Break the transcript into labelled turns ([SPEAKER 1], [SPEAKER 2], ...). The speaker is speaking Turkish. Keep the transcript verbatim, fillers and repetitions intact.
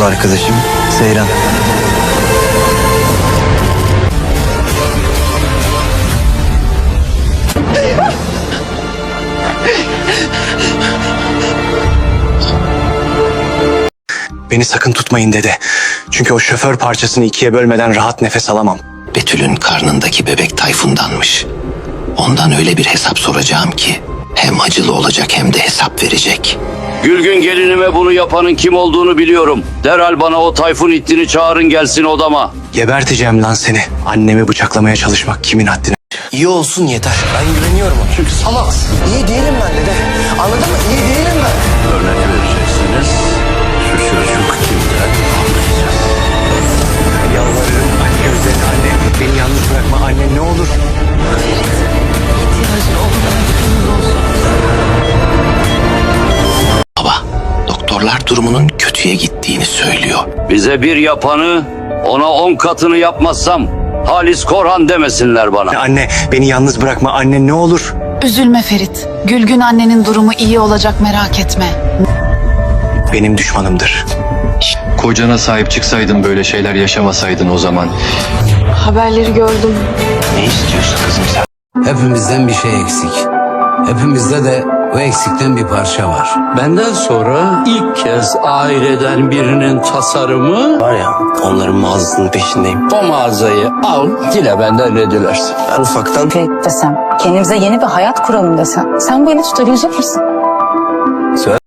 [SPEAKER 1] arkadaşım Seyran.
[SPEAKER 2] Beni sakın tutmayın dede. Çünkü o şoför parçasını ikiye bölmeden rahat nefes alamam.
[SPEAKER 3] Betül'ün karnındaki bebek Tayfun'danmış. Ondan öyle bir hesap soracağım ki hem acılı olacak hem de hesap verecek.
[SPEAKER 4] Gülgün gelinime bunu yapanın kim olduğunu biliyorum. Derhal bana o Tayfun ittini çağırın gelsin odama.
[SPEAKER 2] Geberteceğim lan seni. Annemi bıçaklamaya çalışmak kimin haddine?
[SPEAKER 1] İyi olsun yeter. Ben güveniyorum ona. Çünkü salak. İyi değilim ben dede. Anladın mı? İyi değilim ben.
[SPEAKER 5] Örnek vereceksiniz. Şu çocuk kimden anlayacağız.
[SPEAKER 2] Yalvarırım anne, özel anne. Beni yalnız bırakma anne, ne olur.
[SPEAKER 3] Baba, doktorlar durumunun kötüye gittiğini söylüyor.
[SPEAKER 4] Bize bir yapanı ona on katını yapmazsam Halis Korhan demesinler bana.
[SPEAKER 2] Anne, beni yalnız bırakma anne, ne olur.
[SPEAKER 6] Üzülme Ferit. Gülgün annenin durumu iyi olacak, merak etme.
[SPEAKER 2] Benim düşmanımdır.
[SPEAKER 7] Kocana sahip çıksaydın, böyle şeyler yaşamasaydın o zaman.
[SPEAKER 6] Haberleri gördüm.
[SPEAKER 2] Ne istiyorsun kızım sen?
[SPEAKER 8] Hepimizden bir şey eksik. Hepimizde de o eksikten bir parça var.
[SPEAKER 5] Benden sonra ilk kez aileden birinin tasarımı,
[SPEAKER 1] Var ya, onların mağazasının peşindeyim.
[SPEAKER 5] o mağazayı al, dile benden ne dilersin.
[SPEAKER 1] Ben ufaktan
[SPEAKER 9] Ferit desem, kendimize yeni bir hayat kuralım desem, sen bu eli tutabilecek misin?